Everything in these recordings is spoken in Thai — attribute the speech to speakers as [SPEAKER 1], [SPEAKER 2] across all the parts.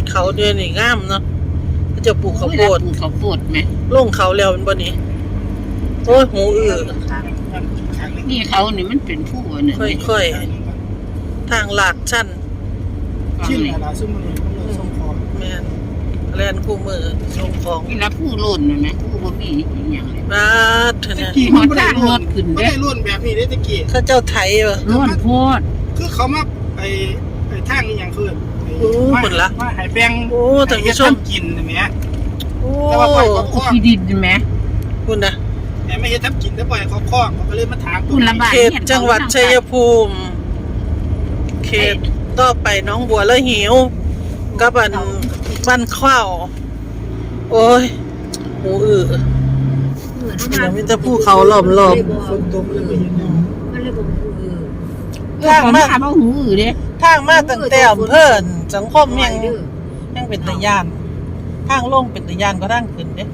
[SPEAKER 1] เขาเดือนนี่งามเนาะเขาจะปลูกข้าวโพด
[SPEAKER 2] ไหม
[SPEAKER 1] ลงเขาแล้วมันบ่นี่โอ้ยหูอื้อ
[SPEAKER 2] นี่เขานี่มันเป็นผู้เนี่ย
[SPEAKER 1] ค่อยๆทางลาดชั้น
[SPEAKER 3] ชิ้นอะไรซึ่งมันส่งของ
[SPEAKER 1] แม่นแลนคู่มือส่งของ
[SPEAKER 2] นี่ละผู้ล้นนะผู้บ่มีอย่างเลย
[SPEAKER 1] บาดเถอะนะ
[SPEAKER 3] กี่มันไม่ได้ล้นขึ้นไม่ได้ล้นแบบนี้ได้ตะกี้
[SPEAKER 1] เขาเจ้าไทยบ่
[SPEAKER 2] ล้นโพด
[SPEAKER 3] คือเขามาไอ้ทางนี้อย่างคือ
[SPEAKER 1] หมดละ
[SPEAKER 3] ว่าหายแบง
[SPEAKER 1] ท่านผู้ชม
[SPEAKER 3] กินใช่ไหม
[SPEAKER 2] แต่ว่าปล่อยเขาคล้องดินใช่ไหม
[SPEAKER 1] คุณนะ
[SPEAKER 3] ไม่ใช่ทำกินแต่ปล่อยเขาคล้องเขาก็เลยมาถาม
[SPEAKER 2] คุณละบาท
[SPEAKER 1] เขตจังหวัดชัยภูมิเขตต่อไปน้องบัวแล้วหิวกับบ้านข้าวโอ้ยหูอื้อเราไม่จะพูดเขาหลอม
[SPEAKER 3] ฝนตกเลยไม่เห็น
[SPEAKER 2] มันเลยบอก
[SPEAKER 1] ทางมา
[SPEAKER 2] หูอื้อเด้
[SPEAKER 1] ทางมาตั้งแต่อำเภอสังคมยังเป็นตะยานทางลงเป็นตะยานก็ทางขึ้นเด้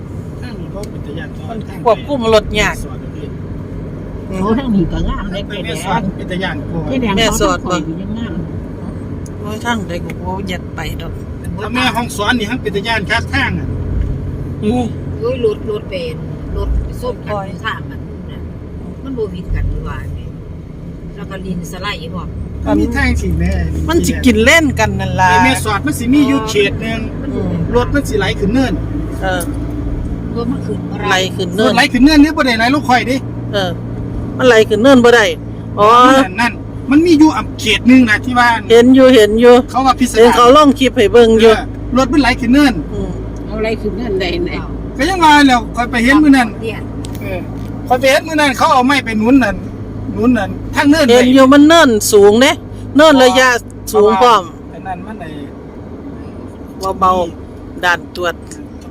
[SPEAKER 1] ควบคุมรถยาก
[SPEAKER 2] โอ้ทั้งนี้ก็งามได้แก่
[SPEAKER 3] เป็นตะยาน
[SPEAKER 1] แม่สอดบ่โอ้ยทางใดกูบ่ยัดไปดอก
[SPEAKER 3] ถ้าแม่ห้องสอนนี่ทั้งเป็นตะยานคักทางอ่ะ
[SPEAKER 2] โอ้ยรถเป็นรถส้มกันทางมันบ่วิดกันว่านี่แล้วก็ลินสไลด์บ่
[SPEAKER 3] มีทางสิแม่
[SPEAKER 1] มันสิกินเล่นกันนั่นล่ะ
[SPEAKER 3] แม่สอดมันสิมีอยู่เขตนึงรถมันสิไหลขึ้นเนิน
[SPEAKER 2] รถมันขึ้น
[SPEAKER 1] ไหลขึ้นเนิน
[SPEAKER 3] ไหลขึ้นเนินนี่บ่ได้ไหลลงข่อยดิ
[SPEAKER 1] มันไหลขึ้นเนินบ่ได้อ๋อ
[SPEAKER 3] นั่นมันมีอยู่เขตนึงนะที่ว่า
[SPEAKER 1] เห็นอยู่
[SPEAKER 3] เขาว่าพิเศษ
[SPEAKER 1] เขาลงคลิปให้เบิ่งอยู่
[SPEAKER 3] รถมันไหลขึ้นเนิน
[SPEAKER 2] เอาไหลขึ้นเนินได้ไหน
[SPEAKER 3] ก็ยังว่าแล้วค่อยไปเห็นมื้อนั้นค่อยไปเห็นมื้อนั้นเขาเอาไม้ไปหนุนนั่นทางเนิน
[SPEAKER 1] เห็นอยู่มันเนินสูงเด้เนินระยะสูงพร้อม
[SPEAKER 3] ไอ้นั่นมันไอ้
[SPEAKER 1] เบาๆด่านตรวจ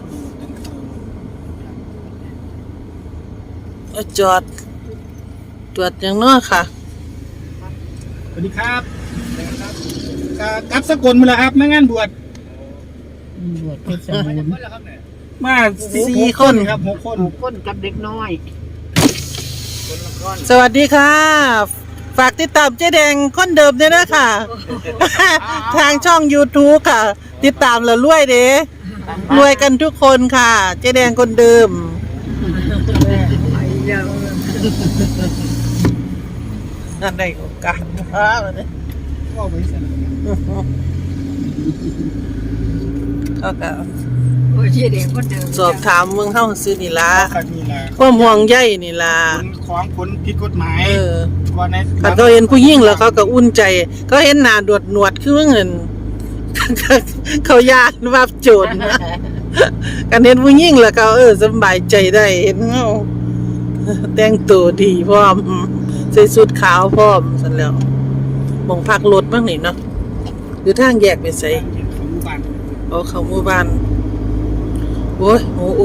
[SPEAKER 1] จอดตรวจอย่างน้อยค่ะ
[SPEAKER 3] สวัสดีครับกับสกลมาแล้วครับมางานบวช
[SPEAKER 2] เพชรบูรณ์
[SPEAKER 3] มา4 คนครับ6
[SPEAKER 2] คนกับเด็กน้อย
[SPEAKER 1] สวัสดีค่ะฝากติดตามเจ๊แดงคนเดิมด้วยนะค่ะทางช่อง YouTube ค่ะติดตามแล้วรวยเด้รวยกันทุกคนค่ะเจ๊แดงคนเดิมนั่นได้โอกาส
[SPEAKER 3] ก็ไว้สน
[SPEAKER 1] ก็สอบถามเมืองเข้าซื้อนี่ละ
[SPEAKER 3] ก็
[SPEAKER 1] ห่วงใยนี่ละ
[SPEAKER 3] ของผลผิดกฎหมาย
[SPEAKER 1] เขาเห็นผู้หญิงแล้วเขาก็อุ่นใจเขาเห็นหน้าดวดหนวดคือเงินเขาญาติว่าโจรกันเห็นผู้หญิงแล้วเขาสบายใจได้เห็นเงาแต่งตัวดีพร้อมใส่ชุดขาวพร้อมสั่นแล้วมองพักรถบ้างนี่เนาะหรือทางแยกไปใส่เขาหมู่บ้านโอ้ยโอ้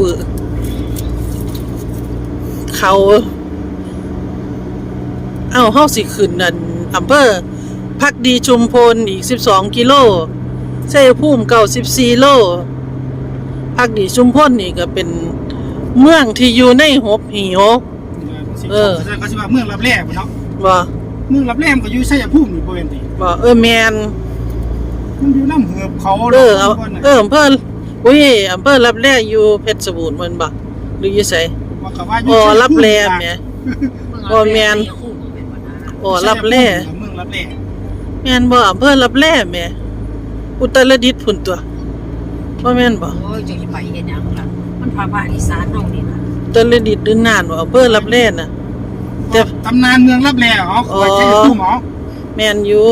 [SPEAKER 1] เขาเฮาสิขึ้นนั่นอำเภอพักดีชุมพลอีก12 กิโลชัยภูมิ94 โลพักดีชุมพลนี่ก็เป็นเมืองที่อยู่ในหบหีหก
[SPEAKER 3] เขาสิว่าเมืองรับแร่เนาะ
[SPEAKER 1] บ่
[SPEAKER 3] เมืองรับแร่ก็อยู่ชัยภูมินี่บ่แม่นติ
[SPEAKER 1] บ่แม่น
[SPEAKER 3] มันอยู่น้ำเหือบเขา
[SPEAKER 1] อำเภอรับแร่อยู่เพชรบูรณ์มันบ่หรืออยู่ไสรับแร่แม่บ่แม่นรับแร่
[SPEAKER 3] เมืองรับแร่
[SPEAKER 1] แม่นบ่อำเภอรับแร่แม่อุตรดิตถ์พุ่นตัวบ่แม่นบ่
[SPEAKER 2] โอ้ยจะไปเฮ็ดหยังล่ะมันภาคอีสานเฮานี่นะ
[SPEAKER 1] อุตรดิตถ์หรือน่านบ่อำเภอรับแร่น่ะ
[SPEAKER 3] แต่ตำนานเมืองรับแร่คอยใช้ตู้หมอ
[SPEAKER 1] แม่นอยู่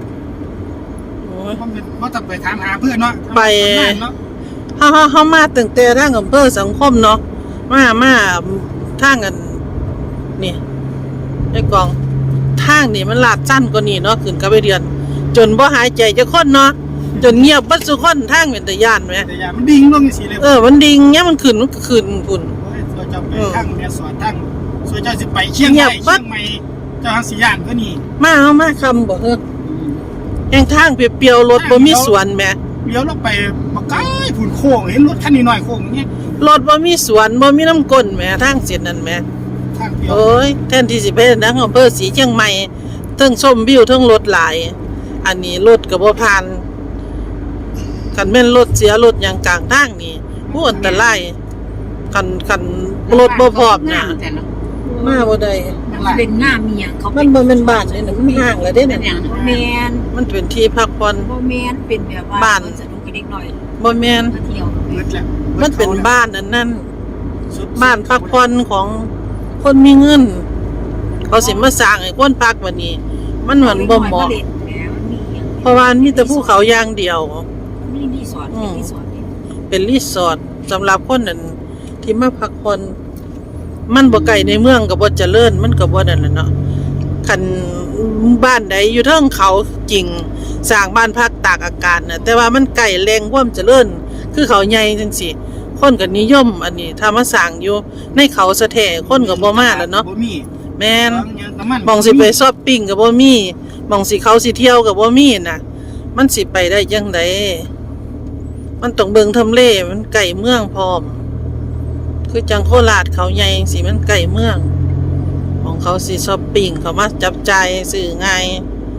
[SPEAKER 3] เพราะต้องไปถามหาเพื่อนเนาะ
[SPEAKER 1] ไปเฮามาตั้งแต่ทางอำเภอสังคมเนาะมาทางกันนี่ไอ้กองทางนี่มันลาดสั้นกว่านี้เนาะขึ้นกับไปเดือนจนบ่หายใจจะคนเนาะจนเงียบบัดสุคนทางเป็นตะย่านมั้ย
[SPEAKER 3] ตะย่านมันดิ่งลงจังซี่เลย
[SPEAKER 1] มันดิ่งเนี่ยมันขึ้นพุ่น
[SPEAKER 3] สวยเจ้าไปทางแม่สอดทางสวยเจ้าสิไปเชียงใหม่เจ้าทางสิย่านก็นี่
[SPEAKER 1] มาคำบ่แห่งทางเปรียวๆรถบ่มีสวนแม่
[SPEAKER 3] เลี้ยวลงไปบ่ไกลพุ่นโค้งเห็นรถคันน้อยๆโค้งอย่างเงี้ย
[SPEAKER 1] รถบ่มีสวนบ่มีน้ำก้นแม่ทางเส้นนั้นแม่
[SPEAKER 3] ทางเปรียว
[SPEAKER 1] โอ้ยแทนที่สิไปทางอำเภอศรีเชียงใหม่เทิงชมวิวเทิงรถหลายอันนี้รถก็บ่ผ่านคันแม่นรถเสียรถหยังกลางทางนี่ผู้อันตรายคันรถบ่พร้อมน่ะมาบ่ได้
[SPEAKER 2] มันเป็นหน้าเมียเขา
[SPEAKER 1] มันบ่แม่นบ้านนี่น่ะมันห่างแล้วเด้
[SPEAKER 2] เป็นอ
[SPEAKER 1] น่ะ
[SPEAKER 2] ย่างแมน
[SPEAKER 1] มันเป็นที่พักผ่อน
[SPEAKER 2] บ่แมนเป็นแบบว่า
[SPEAKER 1] บ้าน
[SPEAKER 2] สนุกกับเด็กหน่อย
[SPEAKER 1] บ่แม่น
[SPEAKER 2] มาเที่ยว
[SPEAKER 3] เบิดแล้ว
[SPEAKER 1] มันเป็นบ้านอันนั้น
[SPEAKER 3] สุด
[SPEAKER 1] บ้านพักผ่อนของคนมีเงิน เขาสิมาสร้างให้คนพักบัดนี้ มันเหมือนบ่เหมาะ
[SPEAKER 2] เด็กแหมมันมีอย่าง
[SPEAKER 1] เพราะว่ามีแต่ภูเขาอย่างเดียว
[SPEAKER 2] มีรีสอร์ทเป็นรีสอร์ทนี่
[SPEAKER 1] เป็นรีสอร์ทสำหรับคนนั้นที่มาพักผ่อนมันบ่ไกลในเมืองก็บ่เจริญมันก็บ่นั่นแหละเนาะคันบ้านใดอยู่เทิงเขาจริงสร้างบ้านพักตากอากาศน่ะแต่ว่ามันไกลแรงความเจริญคือเขาใหญ่จังซี่คนก็นิยมอันนี้ถ้ามาสร้างอยู่ในเขาสะแท้คนก็บ่มาแล้วเนาะ
[SPEAKER 3] บ่มี
[SPEAKER 1] แม่น
[SPEAKER 3] น้ำมัน
[SPEAKER 1] หมองสิไปช้อปปิ้งก็บ่มีหมองสิเขาสิเที่ยวก็บ่มีน่ะ มันสิไปได้จังไดมันต้องเบิ่งทำเลมันใกล้เมืองพร้อม คือจังโคราชเขาใหญ่จังซี่มันใกล้เมืองของเขาสิช้อปปิ้งเขามาจับจ่ายซื้อง่าย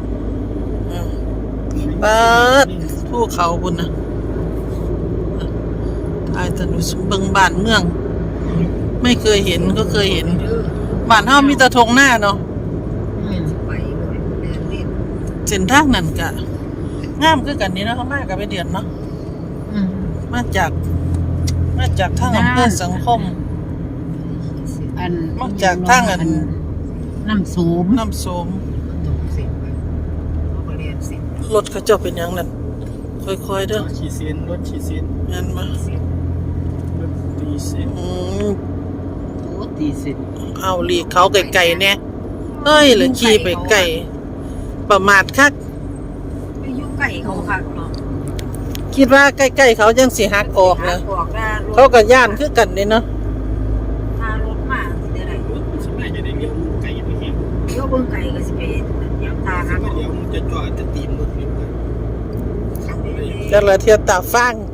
[SPEAKER 1] เปิดภูเขาพุ่นน่ะถ่ายถนนเบิ่งบ้านเมือง ไม่เคยเห็นก็เคยเห็น บ้านเฮามีแต่ทงหน้าเนาะ
[SPEAKER 2] สิไปเลยแม่นเล่น
[SPEAKER 1] เส้นทางนั้นก็งามคือกันนี่เนาะเขามาก็ไปเดือนเนาะมาจากทางอำเภอสังคม
[SPEAKER 4] อัน
[SPEAKER 1] นอกจากทางอัน
[SPEAKER 4] น้ำสูบ
[SPEAKER 1] น้ำโสม
[SPEAKER 2] ตกเสร็จไปเขาก็เรียนเสร็จ
[SPEAKER 1] รถเขาเจ้าเป็นหยังนั่นค่อยๆเด้อ
[SPEAKER 3] ฉีดเส้นรถฉีดเส้น
[SPEAKER 1] งั้นมา
[SPEAKER 2] เสร็จ
[SPEAKER 3] รถตีเส้น
[SPEAKER 4] โอ้ตีเสร็จ
[SPEAKER 1] เอาหลีกเขาไกลๆแน่เอ้ยหรือขี่ไปไกลประมาทคัก
[SPEAKER 2] ไปอยู่ไก่เขาคักเนาะ
[SPEAKER 1] คิดว่าใกล้ๆเขาจังสิหักออกนะ
[SPEAKER 2] ออกได้รถ
[SPEAKER 1] เขาก็ย่านคือกันนี่เนาะ
[SPEAKER 2] ถ้ารถมาสิได้ไร
[SPEAKER 3] สมัยจะได้เลี้ยวไก่ไปเห็น
[SPEAKER 2] เดี๋ยวเบิ่งไก่ก็สิไปย้ำตา
[SPEAKER 3] ถ้า
[SPEAKER 2] หัก
[SPEAKER 3] เลี้ยวมันจะจอดจะตีมรถนี่ไป
[SPEAKER 1] แต่ละเที่ยวตาฟัง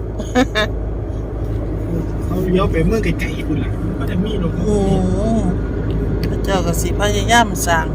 [SPEAKER 3] เขาเลี้ยวไปเมืองไก่ๆคุณล่ะก็จะมีรถ
[SPEAKER 1] อืมพระเจ้าก็สิพยายามสร้าง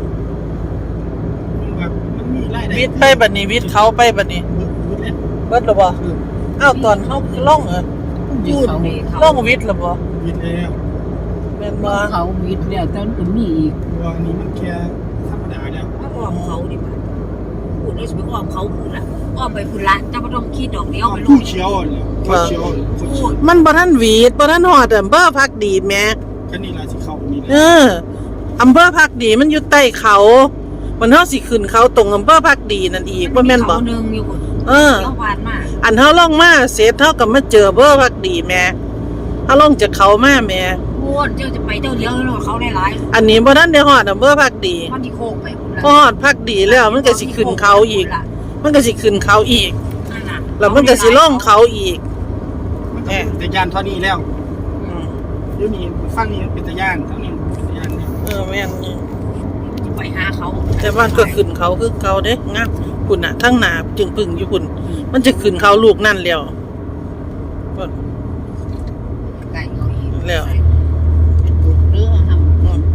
[SPEAKER 3] มันมีรายได้
[SPEAKER 1] วิทย์ไปบัดนี้วิทย์เขาไปบัดนี้
[SPEAKER 3] เบิดแล้ว
[SPEAKER 1] เบิดแล้วบ่อ้าวตอนเขาล่องเหรอ
[SPEAKER 4] อยู่เขา
[SPEAKER 1] ล่องวิทย์แล้วบ่
[SPEAKER 3] วิทย์แล้ว
[SPEAKER 1] แม่นบ่
[SPEAKER 4] เขาวิทย์แล้วตอนก็มีอีก
[SPEAKER 3] ตัวนี้มันแค่ธรรมดาแล้ว
[SPEAKER 2] ถ้าอ้อมเขาดิบ่พูดแล้วสิไปอ้อมเขาพูดละอ้อมไปพูดละจะบ่ต้องคิดดอกเดียวไปล
[SPEAKER 3] ผู้
[SPEAKER 2] ง
[SPEAKER 3] เชี่ยวเลยผู้เชี่ยวผู้เชี่ยว
[SPEAKER 1] มันบ่ทันหวีดบ่ทันฮอดอำเภอพักดีแหม่
[SPEAKER 3] แค่นี้ล่ะสิเข้านี่
[SPEAKER 1] เอออำเภอพักดีมันอยู่ใต้เขามันเฮาสิขึ้นเขาตรงอำเภอพักดีนั่นอีกบ่แม่นบ่
[SPEAKER 2] เขานึงอยู่พุ่น
[SPEAKER 1] เออ
[SPEAKER 2] เที่ยวผ่านมา
[SPEAKER 1] อันเฮาลงมาเสร็จเฮาก็มาเจออำเภอพักดีแหม่เฮาลงจากเขามาแหม่
[SPEAKER 2] พูดเจ้าจะไปเจ้าเลี้ยวแล้วเขาได้หลาย
[SPEAKER 1] อันนี้บ่ทันได้ฮอดอำเภอพักดี
[SPEAKER 2] มันที่โค้งไปพุ่นละ
[SPEAKER 1] พอฮอดพักดีแล้วมันก็สิขึ้นเขาอีก มันก็สิขึ้นเขาอีก
[SPEAKER 2] นั่นน่ะ
[SPEAKER 1] แล้วมันก็สิลงเขาอีก
[SPEAKER 3] มันก็เป็นตะยานเท่านี้แล้ว
[SPEAKER 1] อืม
[SPEAKER 3] เดี๋ยวนี้ฟังนี่เป็นตะยานเท่านี้เป็นตะยานนี่
[SPEAKER 1] แม่นนี่
[SPEAKER 2] ไปหาเขา
[SPEAKER 1] แต่ว่าก็ขึ้นเขาคือเขาเด้งามพุ่นน่ะทั้งหน้าจึงปึ่งอยู่พุ่นมันจะขึ้นเขาลูกนั่นแล้ว
[SPEAKER 2] ไก่เขาอีก
[SPEAKER 1] แล้ว
[SPEAKER 4] เรือท
[SPEAKER 1] อืม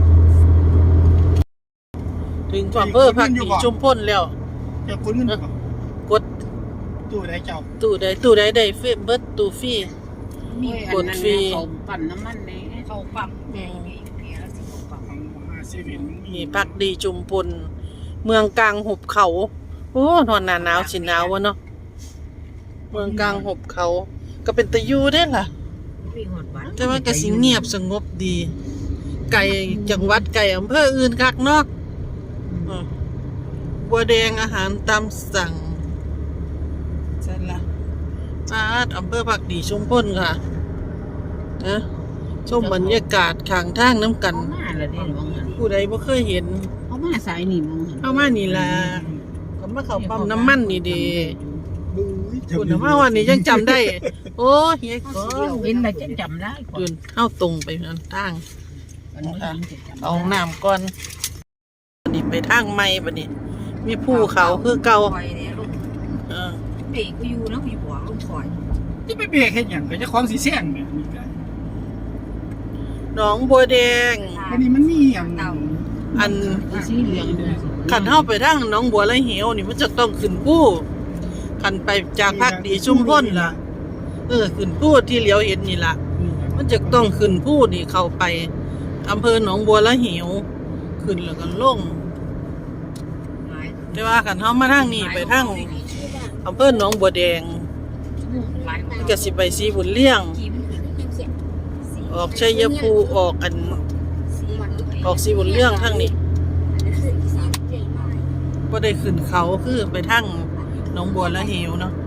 [SPEAKER 1] ถึงอำเภอพักดีชุมพลแล้ว
[SPEAKER 3] เจ้าคุณเงิน
[SPEAKER 1] กด
[SPEAKER 3] ตู้ได้เจ้า
[SPEAKER 1] ตู้ใดได้เฟซเบิดตู้ฟรี
[SPEAKER 4] ำมี
[SPEAKER 1] กดฟรี
[SPEAKER 4] เขาปั่นน้ำมันแน่
[SPEAKER 2] เขาปั๊มแม่เพียแล้วสิเขาปั๊ม
[SPEAKER 3] ของเซเว่น
[SPEAKER 1] มีพักดีชุมพลเมืองกลางหุบเขา โอ้นอนหนาหนาวสิหนาววะเนาะเมืองกลางหุบเขา ก็เป็นตะยูได้ล่ะ
[SPEAKER 2] มีหอดบ้าน
[SPEAKER 1] แต่ว่าก็สิเงียบสงบดี ไก่จังหวัดไก่อำเภออื่นคักเนาะอืมบัวแดงอาหารตามสั่งใช่ละอำเภอพักดีชุมพลค่ะนะชมบรรยากาศข้างทางน้ำกัน
[SPEAKER 4] เขามาแล้วเด้มองหัน
[SPEAKER 1] ผู้ใดบ่เคยเห็น
[SPEAKER 4] เขามาสายนี่มองหัน
[SPEAKER 1] เข้ามานี่ล่ะก็มาเข้าปั๊มน้ำมันนี่เดี
[SPEAKER 3] บุ้ย
[SPEAKER 1] คุณมาวันนี้ยังจำได้ โอ้เฮียก็
[SPEAKER 4] เห็นแล้วจะจำได้ก่อน
[SPEAKER 1] ยืนเข้าตรงไปทางทาง
[SPEAKER 4] อันนี้จะจำ
[SPEAKER 1] เอาน้ำก่อนบัดนี้ไปทางใหม่บัดนี้ มีภูเขาคือเก่า
[SPEAKER 2] ปล่อยเนี่ยลูก
[SPEAKER 1] เออ
[SPEAKER 2] เบรกก็อยู่นะอยู่หัวลูกปล่อย
[SPEAKER 3] ที่ไปเบรกเฮ็ดหยังก็จะของสีแซงเนี่ยนี่ก็
[SPEAKER 1] หนองบัวแดง
[SPEAKER 3] อันนี้มันมีหยัง
[SPEAKER 2] เต่า
[SPEAKER 1] อัน
[SPEAKER 4] สีเหลืองด้วยสิ
[SPEAKER 1] ขันเข้าไปทางหนองบัวไรเหวนี่มันจะต้องขึ้นภูขัคันไปจากภาคดีชุมพลล่ะขึ้นผู้ที่เหลียวเห็นนี่ล่ะมันจะต้องขึ้นผู้นี่เข้าไปอำเภอหนองบัวละหิวขึ้นแล้วก็ลงแต่ว่าคันเฮามาทางนี้ไปทางอำเภอหนองบัวแดงก็สิไปสีบุญเลี้ยงออกชัยภูมิออกสีบุญเลี้ยงทางนี้บ่ได้ขึ้นเขาคือไปทางหนองบัวละหิวเนาะ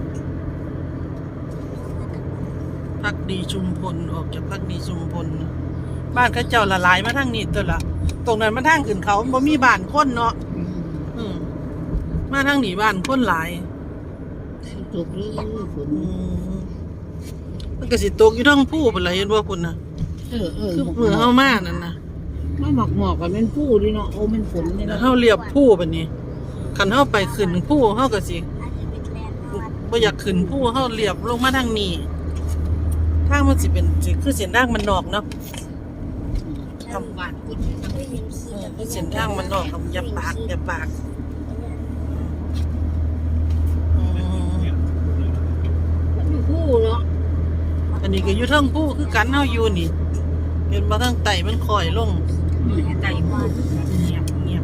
[SPEAKER 1] พักดีชุมพลออกจากพักดีชุมพลบ้านเขาเจ้าละลายมาทางนี้ตัวละตรงนั้นมันทางขึ้นเขาบ่มีบ้านคนเนาะมาทางนี้บ้านคนหลาย
[SPEAKER 4] ตกเลยฝน
[SPEAKER 1] มันก็สิตกอยู่ทั้งผู้พุ่นล่ะเห็นบ่พุ่นน่ะคือมือเฮามานั่นน่ะ
[SPEAKER 4] ไม่หมอกกันเป็นผู้ดิเนาะโอ้มันฝนนี่เนาะ
[SPEAKER 1] เฮาเรียบผู้บัดนี้คันเฮาไปขึ้นผู้เฮาก็สิบ่อยากขึ้นผู้เฮาเรียบลงมาทางนี้ทางมันสิเป็นคือเส้นทางมันนอกเนาะ
[SPEAKER 2] ทำบ้านคุณ
[SPEAKER 1] คือเส้นทางมันนอกกับอย่าปาก
[SPEAKER 2] ผู้เนาะ
[SPEAKER 1] อันนี้ก็อยู่ทั้งผู้คือกันเฮาอยู่นี่เห็นบ่ทางไตมันค่อยลง
[SPEAKER 2] ไต่บ้าน
[SPEAKER 1] เงียบ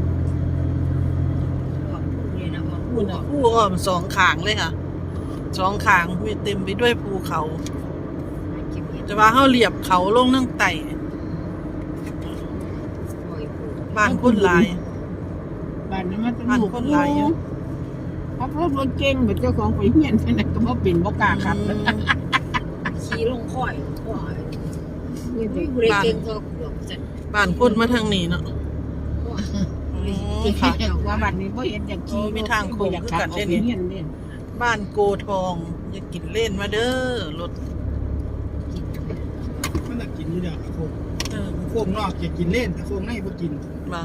[SPEAKER 1] ผู้อ้อมสองข้างเลยค่ะสองข้างมีเต็มไปด้วยภูเขาแต่ว่าเฮาเรียบเขาลงทางไตบ้านคนหลาย
[SPEAKER 4] บ้านนั้นมันเป็นลูกคนหลายขับรถเก่งแบบเจ้าของไปเฮียนนั่นก็บ่เป็นบ่กล้าขับ
[SPEAKER 2] ขี่ลงค่อย
[SPEAKER 1] บ้านคนมาทางนี้เนาะ
[SPEAKER 4] ค่ะว่าบ้านนี้บ่เห็นอย่างขี่
[SPEAKER 1] มีทางโค้งคือกันได้นี่บ้านโกทองอย่ากินเล่นมาเด้อรถ
[SPEAKER 3] มันน่ะกินอยู่เด้อโค้งนอกจะกินเล่นแต่โค้งในบ่กิน
[SPEAKER 1] มา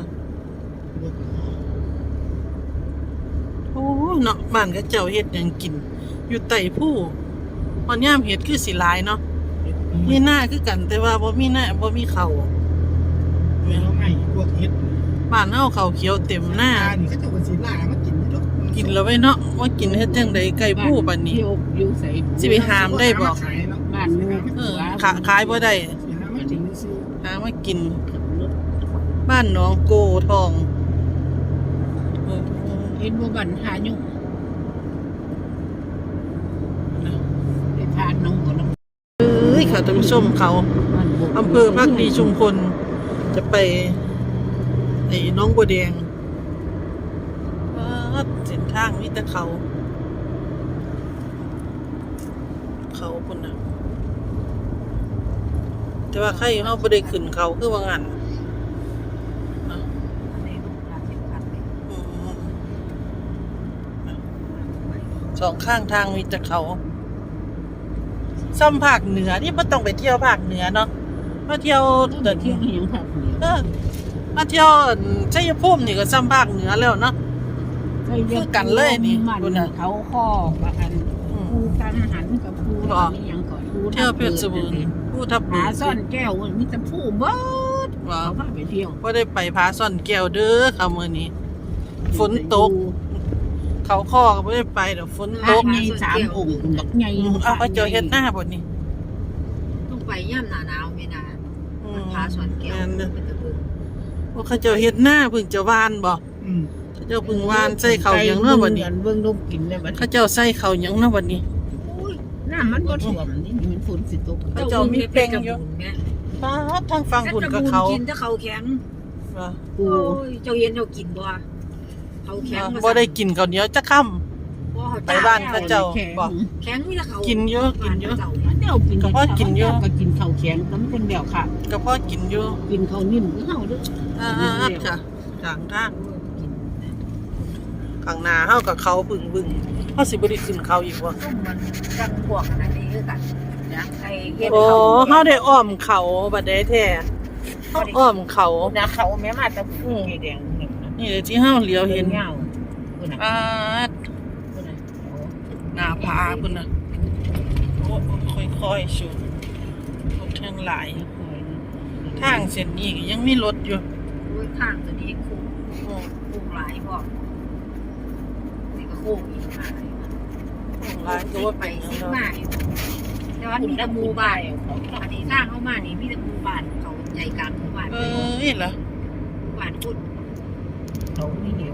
[SPEAKER 1] โอ้เนาะบ้านก็เจ้าเฮ็ดหยังกินอยู่ใต้ผู้ตอนยามเฮ็ดคือสิหลายเนาะมีหน้าคือกันแต่ว่าบ่มีหน้าบ่มีข้าว
[SPEAKER 3] พวกเฮ็ด
[SPEAKER 1] บ้านเฮาข้าวเขียวเต็มหน้า
[SPEAKER 3] นี่เขาเจ้าก็สิล่ามากินอยู่ดอก
[SPEAKER 1] กินแล้วไว้เนาะว่ากินเฮ็ดจังได๋ไก่ผู้บัดนี้สิไปหามได้บ่
[SPEAKER 4] บ้านนึง
[SPEAKER 1] ขายบ่ได้หามากินบ้านหนองโกทอง
[SPEAKER 4] เห็นบ่บ้านหายุ่งไปทานน้องบ่ล่ะ
[SPEAKER 1] ค่ะท่านผู้ชมเขาอำเภอพักดีชุมพลจะไปไอ้น้องบัวแดงเส้นทางมีแต่เขาคนน่ะแต่ว่าใครเฮาบ่ได้ขึ้นเขาคือว่างั้นสองข้างทางมีแต่เขาซ้ำภาคเหนือนี่บ่ต้องไปเที่ยวภาคเหนือเนาะมาเที่ยว
[SPEAKER 4] เที่ยวอย่างภาคเหนือ
[SPEAKER 1] มาเที่ยวชัยภูมินี่ก็ซ้ำภาคเหนือแล้วเนาะคือกันเลยนี่
[SPEAKER 4] คุณน่ะเขาข้อว่าอันภูกังหันกับภูนี่ยังก่อน
[SPEAKER 1] เที่ยวเพชรบูรณ์ภูทับเบิก
[SPEAKER 4] ซ่อนแก้วมีแต่ภูเบิดเขาพาไปเที่ยว
[SPEAKER 1] บ่ได้ไปผาซ่อนแก้วเด้อค่ะมื้อนี้ฝนตกเขาข้อก็บ่ได้ไปดอกฝนตก
[SPEAKER 4] ใหญ่3องค์บักใหญ่
[SPEAKER 1] เอาเขาเจ้าเฮ็ดหน้าบ่นี่
[SPEAKER 2] ต้องไปยามหน้าหนาวแม่นผาซ่อนแก้ว
[SPEAKER 1] ว่าเขาเจ้าเฮ็ดหน้าเพิ่งจะวานบ่เขาเจ้าเพิ่งวานใส่ข้าวหยังเนาะบัดนี้
[SPEAKER 4] เบิ่งลมกินได้บัด
[SPEAKER 1] เขาเจ้าใส่ข้าวหยังเนาะบัดนี้
[SPEAKER 4] น้ำมันบ่ท่วมนี่มันฝนสิตก
[SPEAKER 1] เขาเจ้ามีเป่งอยู่ป้าทางฝั่งพุ่นก็เขา
[SPEAKER 2] กินแต่ข้าวแข็งโอ้ยเจ้าเย็นเจ้ากินบ่ข้าวแข็ง
[SPEAKER 1] บ่ได้กินข้าวเหนียวจักค่ำไปบ้านเขาเจ้าบ่
[SPEAKER 2] แข็งมีแต่ข้าว
[SPEAKER 1] กินเยอะ
[SPEAKER 4] เดี๋ยวกินก็พอกินเยอะก็กินข้าวแข็งน้ำเป็นเดี่ยวค่ะ
[SPEAKER 1] ก็พอกินอยู่
[SPEAKER 4] กินข้าวนิ่มคือเฮาเด้อ
[SPEAKER 1] ค่ะทางข้างหน้าเฮากับเขาบึ้งเฮาสิบ่ได้ขึ้นเขาอีกบ่
[SPEAKER 2] มันจังพวกอันนี้คือกันนะไอ้เฮ็ด
[SPEAKER 1] โอ้เฮาได้อ้อมเขาบัดใดแท้เฮาอ้อมเขา
[SPEAKER 4] นะเขาแม่มาแต่ผู้แดง
[SPEAKER 1] นี่เลยที่เฮาเหลียวเห็นหน้าผาพุ่นน่ะโอ้ค่อยๆชูรถทางหลายทางเส้นนี้ก็ยังมีรถอยู่
[SPEAKER 2] ทางตัวนี้คู่หลายบ่นี่ก็คู่อีกหลาย
[SPEAKER 1] หลายก็ว่า
[SPEAKER 2] ไป
[SPEAKER 1] เป็น
[SPEAKER 2] ซิ
[SPEAKER 1] เนาะ
[SPEAKER 2] มาแต่ว่ามีแต่หมู่บ้านอันนี้สร้างเข้ามานี่มีแต่หมู่บ้านเขาใจกลางหมู่บ้าน
[SPEAKER 1] นี่เหรอ
[SPEAKER 2] หมู่บ้านพุทธ
[SPEAKER 4] เขาไม่เหนียว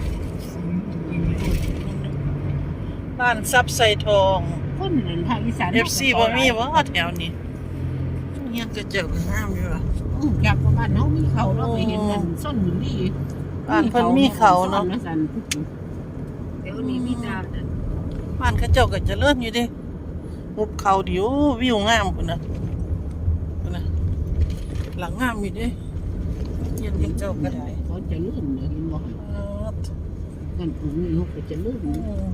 [SPEAKER 1] บ้านซับไซทอง
[SPEAKER 4] คนนั้นภาคอีสาน
[SPEAKER 1] FC บ่มีบ่แถวนี้เฮียก็เจอกันงามอยู่อ่ะ
[SPEAKER 4] จากบ้านเฮามีเขาเราไปเห็นกันส้นหมุนดี
[SPEAKER 1] บ้านเพิ่นมีเขาเนาะ
[SPEAKER 4] สัน
[SPEAKER 2] เดี๋ยวนี้มีแต่
[SPEAKER 1] บ้านเขาเจ้าก็เจริญอยู่เด้หุบเขาเดี๋ยววิวงามพุ่นน่ะพุ่นน่ะหลังงามอยู่เด้เย็นเขาเจ้าก็ได้
[SPEAKER 4] เขาจะลื่นเห็นบ่
[SPEAKER 1] เออ
[SPEAKER 4] กันปู่นี่เขาก็จะลื่น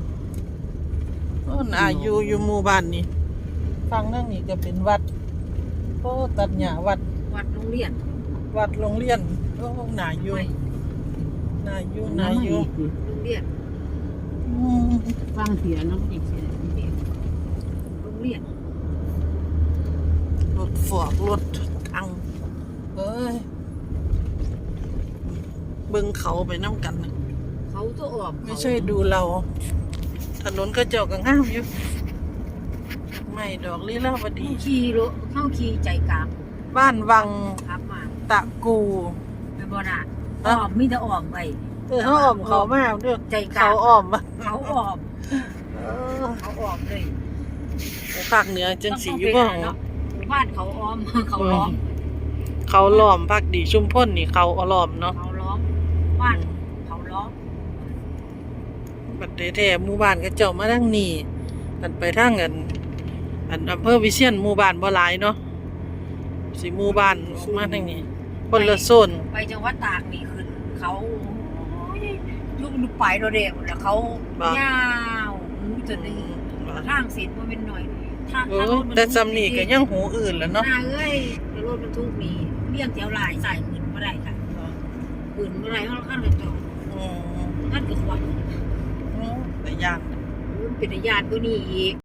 [SPEAKER 1] อายุอยู่หมู่บ้านนี่ฟังนั่งนี่ก็เป็นวัดโอ้ตัดหญ้าวัด
[SPEAKER 2] วัดโรงเรียน
[SPEAKER 1] วัดโรงเรียนโอ้น่าอยู่น่าอยู่น่าอยู่
[SPEAKER 2] โรงเรียน
[SPEAKER 4] ฟังเสียน้องอีกเสีย
[SPEAKER 2] โรงเรียน
[SPEAKER 1] รถฝอกรถทังเอ้ยเบิ่งเขาไปน้ำกันน่ะ
[SPEAKER 2] เขาตัวออก
[SPEAKER 1] ไม่ใช่ดูเรา ถนนก็เจ้าก็งามอยู่ไม่ดอกลีลาวดี
[SPEAKER 2] เข้าขี่ใจกลาง
[SPEAKER 1] บ้านวัง
[SPEAKER 2] ครับมา
[SPEAKER 1] ตะกู
[SPEAKER 2] ไปบ่น่ะออกมีแต่ออกไป
[SPEAKER 1] เขาอ้อมเขามากเด้อ
[SPEAKER 2] ใจกลาง
[SPEAKER 1] เขาอ้อมมา
[SPEAKER 2] เขาออก
[SPEAKER 1] เออ
[SPEAKER 2] เขาออกเลย
[SPEAKER 1] ภาคเหนือจังสีอยู่บ้าง
[SPEAKER 2] เนาะบ้านเขาอ้อมเขาล้อม
[SPEAKER 1] เขาล้อมภาคดีชุมพลนี่เขาล้อมเนาะ
[SPEAKER 2] เขาล้อมบ้านเขาล้อม
[SPEAKER 1] บัดแท้ๆหมู่บ้านก็เจ้ามาทางนี้กันไปทางอันอำเภอวิเชียรหมู่บ้านบ่หลายเนาะสิหมู่บ้านมาทางนี้คนละโซน
[SPEAKER 2] ไปจังหวัดตากนี่ขึ้นเขายุบไปโดเดวแล้วเขายาวจะดีทางเสร็จมันเป็นหน่อยทาง
[SPEAKER 1] แต่ซำนี้ก็ยังหูอื่นแล้วเนาะ
[SPEAKER 2] เอ้ยรถบรรทุกมีเลี่ยงแถวลายใส่ขึ้นบ่ได้ค่ะขึ้นบ่ได้เพราะขั้นกระจก
[SPEAKER 1] อืม
[SPEAKER 2] ขั้นกระขวัญ
[SPEAKER 1] แต่ยาก
[SPEAKER 2] เป็นญาติก็นี่อีก